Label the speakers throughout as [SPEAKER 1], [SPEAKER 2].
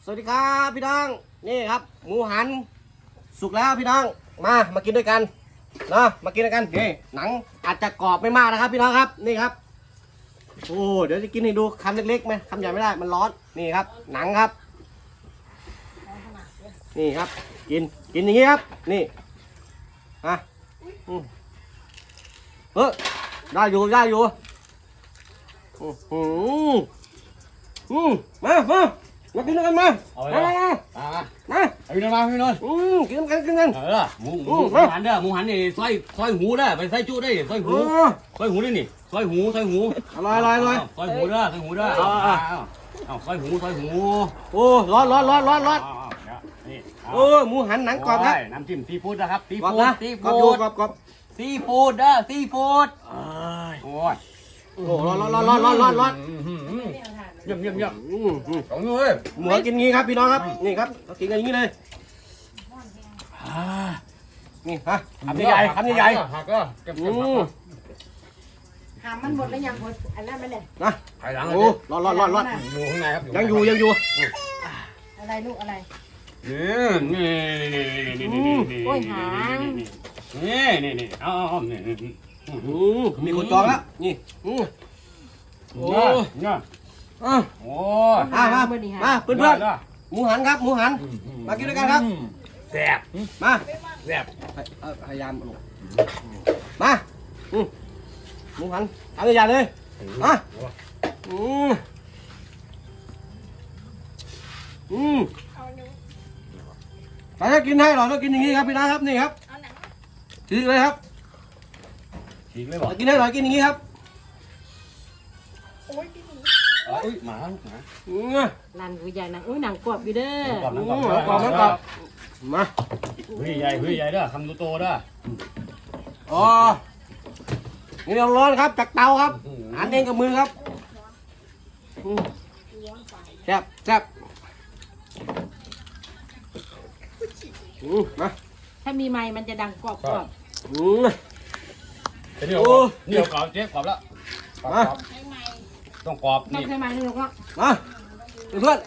[SPEAKER 1] สวัสดีครับพี่น้องนี่ครับหมูหันสุกแล้วพี่น้องมากินด้วยกันนะมากินด้วยกันนี่หนังอาจจะกรอบไม่มากนะครับพี่น้องครับนี่ครับโอ้เดี๋ยวจะกินให้ดูคำเล็กๆไหมคำใหญ่ไม่ได้มันร้อนนี่ครับหนังครับนี่ครับกินอย่างนี้ครับนี่ได้อยู่มากินด้วยกันมา
[SPEAKER 2] พี่นนท์มาพี่นนท์
[SPEAKER 1] กินกัน
[SPEAKER 2] หมูหันเด้อหมูหันนี่ซอยหูเด้อไปใส่จุได้ซอยหูได้นี่ซอยหู
[SPEAKER 1] อร่อย
[SPEAKER 2] ซอยหูเด้อซอยหูเด้อซอยหู
[SPEAKER 1] โอ้ร้อนโอ้หมูหันหนังกรอบครับ
[SPEAKER 2] น้ำจิ้มซีฟู้ดนะครับซีฟู้ด
[SPEAKER 1] กรอบ
[SPEAKER 2] ซีฟู้ดเด้อซีฟู้ดโอ้ย
[SPEAKER 1] ร้อน
[SPEAKER 2] เยี่ยมของนู้น
[SPEAKER 1] หมูกินงี้ครับพี่น้องครับนี่ครับเรากินกันอย่างนี้เลยนี่ฮะคำใหญ่
[SPEAKER 2] หักก็เก็บ
[SPEAKER 3] หามมันหมดแล้วยังหมดอันนั้นมันเนี่ย
[SPEAKER 1] นะ
[SPEAKER 2] ไข่หลัง
[SPEAKER 1] โอ้ร้อน
[SPEAKER 2] อยู่ข้างในครับ
[SPEAKER 1] ยังอยู่
[SPEAKER 3] อะไรลูกอะไร
[SPEAKER 2] นี่
[SPEAKER 3] โอ้ยหาง
[SPEAKER 2] นี่เอา
[SPEAKER 1] มีคนจองแล้วนี่โอ้มาเพื่อนหมูหันครับหมูหันมากินด้วยกันครับ
[SPEAKER 2] แซ่บ
[SPEAKER 1] มา
[SPEAKER 2] แซ่บ
[SPEAKER 1] พยายามมาหมูหันทำใหญ่เลยแต่ถ้ากินให้หรอต้องกินอย่างนี้ครับพี่นะครับนี่ครับฉีกเลยครับกินให้หรอกินอย่างนี้ครับ
[SPEAKER 2] หมา
[SPEAKER 3] ลันกูใหญ่หนังอุ้ยหนังกรอบอยู่เด้อกร
[SPEAKER 1] อบมา
[SPEAKER 2] เฮ้ยใหญ่เด้อคำโตเด้อ
[SPEAKER 1] อ๋อนี่เราร้อนครับจากเตาครับหันเองกับมือครับแซ่บมา
[SPEAKER 3] ถ้ามีไม้มันจะดังกรอบ
[SPEAKER 2] นี่กรอบเจ๊กรอบแล้วต้องกรอบ
[SPEAKER 3] นี่ใช่ไหมนี่ลูกละ
[SPEAKER 1] มาเพื่อน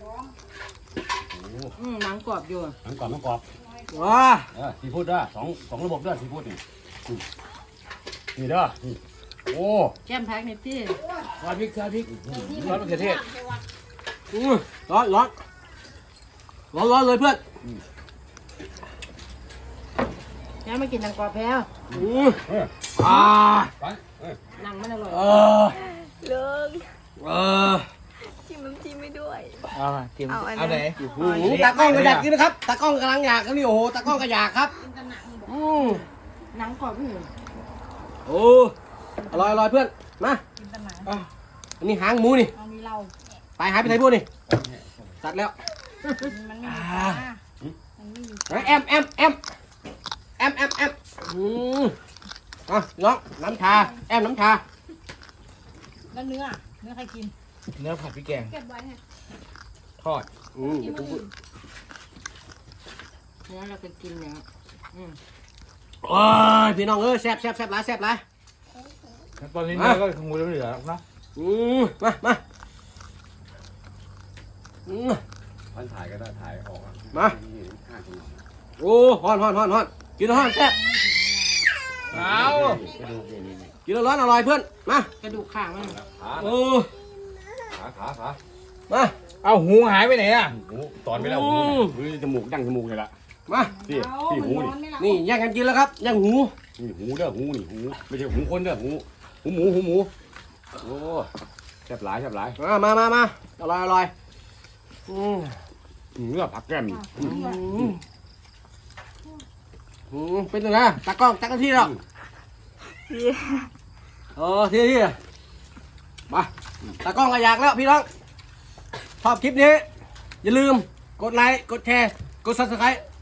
[SPEAKER 3] หนังกรอบอยู่
[SPEAKER 2] หนังกรอบ
[SPEAKER 1] ว้า
[SPEAKER 2] ซีฟู้ดด้วยสองระบบด้วยซีฟู้ดนี่เด้อโอ้
[SPEAKER 3] แก้มแพ็กนี่ที่
[SPEAKER 2] ซอสพริกมะเขือเทศ
[SPEAKER 1] ร้อนเลยเพื่อน
[SPEAKER 3] แล้วมากินหนังกรอบแพ้วหนังมันอร่อย
[SPEAKER 4] เลิกจิ้มน้ำจิ้มไม่ด้วย
[SPEAKER 1] เอาไหนตากล้องก็อยากกินนะครับตากล้องกำลังอยากครับนี่โอ้โหตากล้องก็อยากครับ
[SPEAKER 3] หนังกรอบพี่
[SPEAKER 1] โอ้อร่อยเพื่อนมาอันนี้หางหมูนี่ไปหายไปไหนพวกนี่ตัดแล้วแอมน้องน้ำชาแอมน้ำชา
[SPEAKER 3] แล้วเนื้อใครกิน
[SPEAKER 2] เนื้อผัดพริกแกง
[SPEAKER 3] เก็บไว้ฮะ
[SPEAKER 2] ทอด
[SPEAKER 3] เนื้อเราจะกินเนี่ย
[SPEAKER 1] โอ้ยพี่น้องแซ่บหลาย
[SPEAKER 2] ตอนนี้เนื้อก็คงไม่เหลือนะ
[SPEAKER 1] มา
[SPEAKER 2] พันถ่ายก็ได้ถ่ายออก
[SPEAKER 1] มาโอ้ฮ้อนกินฮ้อนแซ่บกินร้อนอร่อยเพื่อนมาก
[SPEAKER 3] ระดูกข่างมัน
[SPEAKER 2] ขา
[SPEAKER 1] มา
[SPEAKER 2] เอาหูหายไปไหนอ่ะหูตอนไปแล้วหูจมูกดั้งจมูกเลยละ
[SPEAKER 1] มา
[SPEAKER 2] พี่หู
[SPEAKER 1] นี่แย่งกันกินแล้วครับย่างหู
[SPEAKER 2] นี่หูเด้อหูนี่หูไม่ใช่หูคนเด้อหูหมูโอ้แซ่บหลาย
[SPEAKER 1] มาอร่อย
[SPEAKER 2] เนื้อผักแก้ม
[SPEAKER 1] เป็นยังไงตากล้องจักรที่หรอที่มาตากล้องก็อยากแล้วพี่น้องชอบคลิปนี้อย่าลืมกดไลค์กดแชร์กด Subscribe